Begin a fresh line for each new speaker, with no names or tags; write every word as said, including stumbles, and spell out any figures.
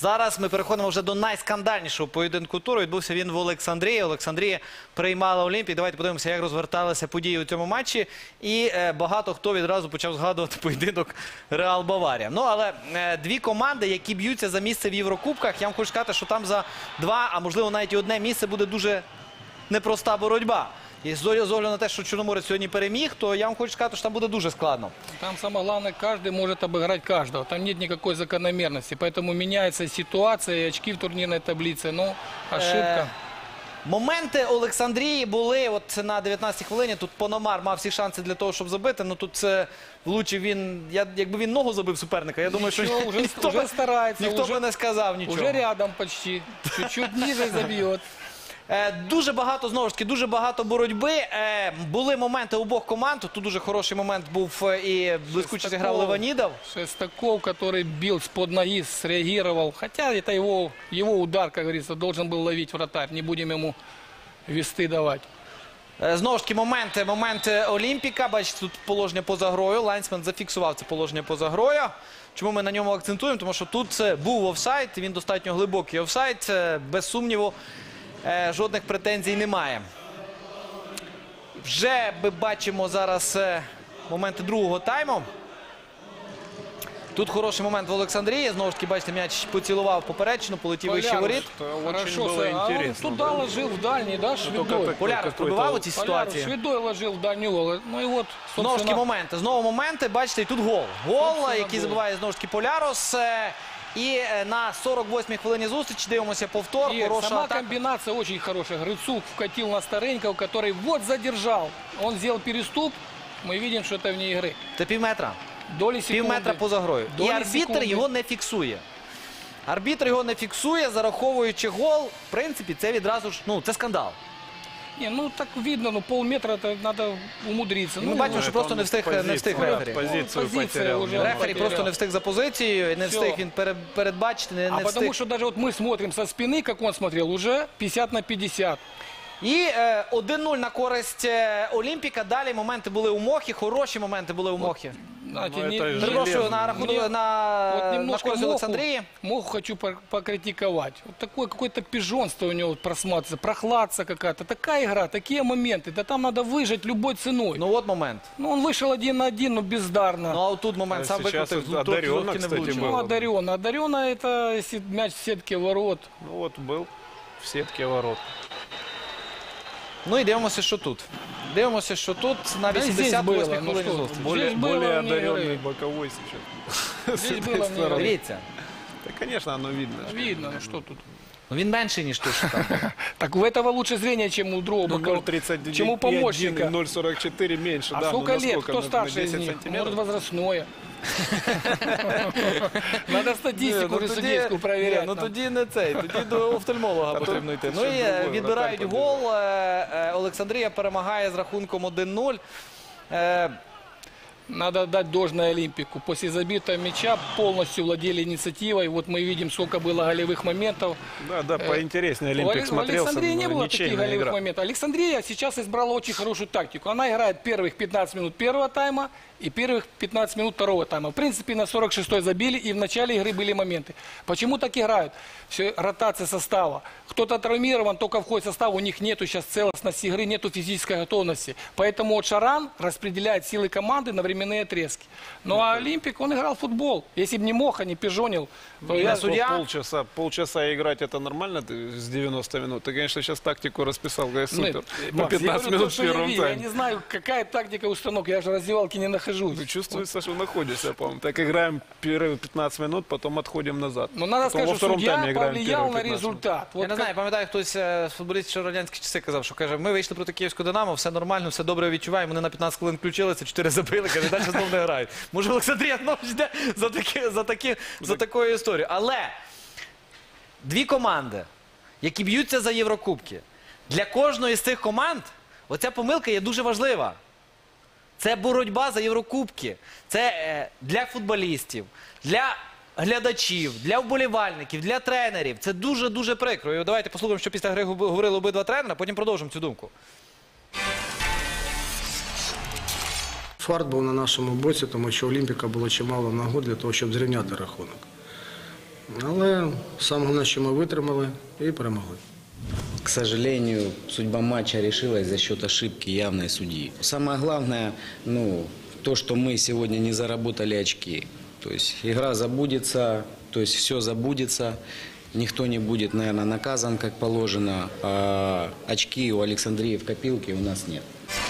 Зараз ми переходимо вже до найскандальнішого поєдинку туру. Відбувся він в Олександрії. Олександрія приймала Олімпію. Давайте подивимося, як розверталися події у цьому матчі. І е, багато хто відразу почав згадувати поєдинок Реал-Баварія. Ну, але е, дві команди, які б'ються за місце в Єврокубках, я вам хочу сказати, що там за два, а можливо навіть і одне місце буде дуже непроста боротьба. І з огляду на те, що Чорноморець сьогодні переміг, то я вам хочу сказати, що там буде дуже складно.
Там самое главное, каждый может обыграть каждого. Там нет никакой закономерности. Поэтому меняется ситуация и очки в турнирной таблице. Ну, ошибка.
Моменти Олександрії були от на дев'ятнадцятій хвилині. Тут Пономар мав всі шанси для того, щоб забити. Ну тут це влучив він, я, якби він ногу забив суперника, я думаю, що
Ничего, уже,
ніхто,
уже старается.
ніхто
уже,
би не сказав нічого.
Уже рядом почти. Чуть-чуть ниже забьет.
Е, Дуже багато, знову ж таки, дуже багато боротьби. Е, Були моменти обох команд. Тут дуже хороший момент був і блискуче зіграв Леванідов.
Шестаков, который бил с-под ноги, среагировал. Хотя это его, его удар, как говорится, должен был ловить вратарь. Не будем ему весты давать.
Е, Знову ж таки, моменти, моменти Олімпіка. Бачите, тут положення поза грою. Лайнсмен зафіксував це положення поза грою. Чому ми на ньому акцентуємо? Тому що тут був офсайд, він достатньо глибокий офсайд, без сумніву. Жодних претензій немає. Вже ми бачимо зараз моменти другого тайму. Тут хороший момент в Олександрії. Знову ж таки, бачите, м'яч поцілував поперечину, полетів вище воріт.
Хорошо, а он туда ложил в дальний, да, Шведой.
Поляров пробивав у цій ситуації.
Шведой ложил в дальний угол. Ну і от,
Знову ж таки, моменти. Знову моменти. Бачите, і тут гол. Гол, який забиває знову ж таки Полярос. І на сорок восьмій хвилині зустрічі дивимося повтор.
И
Хороша
сама
атака.
комбинация очень хорошая. Грицук вкатил на Старенького, который вот задержал. Он сделал переступ. Мы видим, что это вне игры.
Це пів метра.
Доли секунды.
Пів метра поза грою. І
Долі
арбітр
секунди.
його не фіксує. Арбітр його не фіксує, зараховуючи гол. В принципі, це відразу ж, ну, це скандал.
Не, ну так видно, ну полметра это надо умудриться.
Ми
Ну,
бачимо,
ну,
що просто не встиг, не встиг рефері.
Позицию
Позиция
потерял.
уже.
Рефері
потеряв.
просто не встиг за позицією, не
Всьо.
встиг він пере- передбачити, не,
А
не
потому
встиг.
что даже вот мы смотрим со спины, как он смотрел, уже пятьдесят на пятьдесят.
І е, один нуль на користь е, Олімпіка. Далі моменти були у Мохі, хороші моменти були у Мохі.
Знаете,
Ну,
не-
это
не-
же
Перепрошую,
железно.
на рахунок,
Мне
на,
вот
на
немножко
користь
Моху,
Олександрії.
Моху хочу по- покритиковать. Вот такое какое-то пижонство у него просматривается, прохладца какая-то. Такая игра, такие моменты. Да там надо выжать любой ценой. Ну,
Ну от момент.
он вышел один на один, но бездарно.
Ну а отут момент
А
сам
сейчас
викрутив,
вот
трохи
одаренно,
трохи не
кстати,
влучив.
был.
Ну, одаренно. Одаренно это если мяч в сетке ворот.
Ну вот был в сетке ворот.
Ну і дивимося, що тут. Дивимося, що тут на
Да и здесь
вісімдесят восьмій
было, ну
хвилині
что,
зустрічі.
Более,
Здесь было
более
вне игры.
одаренный боковой сейчас. С
Здесь
этой
было вне
стороны.
игры.
Дивіться.
Да, конечно, оно видно.
Видно, ну что тут.
Ну він менший, ніж тут.
Так у этого лучше зрение, чем у другого.
Ну,
бокового.
ноль тридцать
Чем у
один,
помощника.
ноль сорок четыре меньше.
А
да,
сколько
ну,
лет?
насколько?
Кто
На- на
старше из
десять
них?
сантиметров?
Может, возрастное. Надо статистику уже судейскую
Ні,
проверять.
ну
нам.
тоді не цей, тоді до офтальмолога
А то
потрібно йти.
щось
Ну і е,
другое,
відбирають
вратарь
гол. Е, е, Олександрія перемагає з рахунком один нуль. Е,
Надо отдать должное Олимпику. После забитого мяча полностью владели инициативой. Вот мы видим, сколько было голевых моментов.
Да, да,
Э,
поинтереснее
У
Олимпик
Алекс- у
смотрелся.
Александрии не
но
было таких
ничейная
голевых
игра.
моментов. Александрия сейчас избрала очень хорошую тактику. Она играет первых пятнадцать минут первого тайма и первых пятнадцать минут второго тайма. В принципе, на сорок шестой забили, и в начале игры были моменты. Почему так играют? Все, ротация состава. Кто-то травмирован, только входит в состав, у них нету сейчас целостности игры, нету физической готовности. Поэтому вот Шаран распределяет силы команды на временные отрезки. Ну а Олимпик, он играл в футбол. Если бы не мог, а не пижонил, то
И
я...
на судья?
Полчаса, полчаса играть это нормально ты с девяноста минут? Ты, конечно, сейчас тактику расписал, говоришь, супер.
Нет,
По
Макс, я
пятнадцать
говорю,
минут
то,
в
что я
первом
видел. Я
тайме.
не знаю, какая тактика установки. Я же в раздевалке не нахожусь.
Ну, чувствуется, что находишься, по-моему. Так играем первые пятнадцать минут, потом отходим назад.
Но надо
Потом
сказать,
во
что
втором
судья
тайме играем
повлиял
первые
на
пятнадцать минут.
результат. Вот
Я не
как-
знаю, пам'ятаю, хтось е, з футболістів ще в радянські часи казав, що каже, ми вийшли проти Київського Динамо, все нормально, все добре відчуваємо, вони на п'ятнадцять хвилин включилися, чотири забили, каже, далі знову не грають. Може, Олександрія знову йде за, такі, за, такі, за такою історією. Але дві команди, які б'ються за Єврокубки, для кожної з цих команд оця помилка є дуже важлива. Це боротьба за Єврокубки. Це е, для футболістів, для глядачів, для вболівальників, для тренерів. Це дуже-дуже прикро. І давайте послухаємо, що після гри говорили обидва тренера, потім продовжимо цю думку.
Фарт був на нашому боці, тому що Олімпіка було чимало нагод для того, щоб зрівняти рахунок. Але саме головне, що ми витримали і перемогли.
К сожалению, судьба матча решилась за счет ошибки явной судьи. Самое главное, ну, то, что мы сегодня не заработали очки. То есть игра забудется, то есть все забудется. Никто не будет, наверное, наказан, как положено. А очки у Александрии в копилке у нас нет.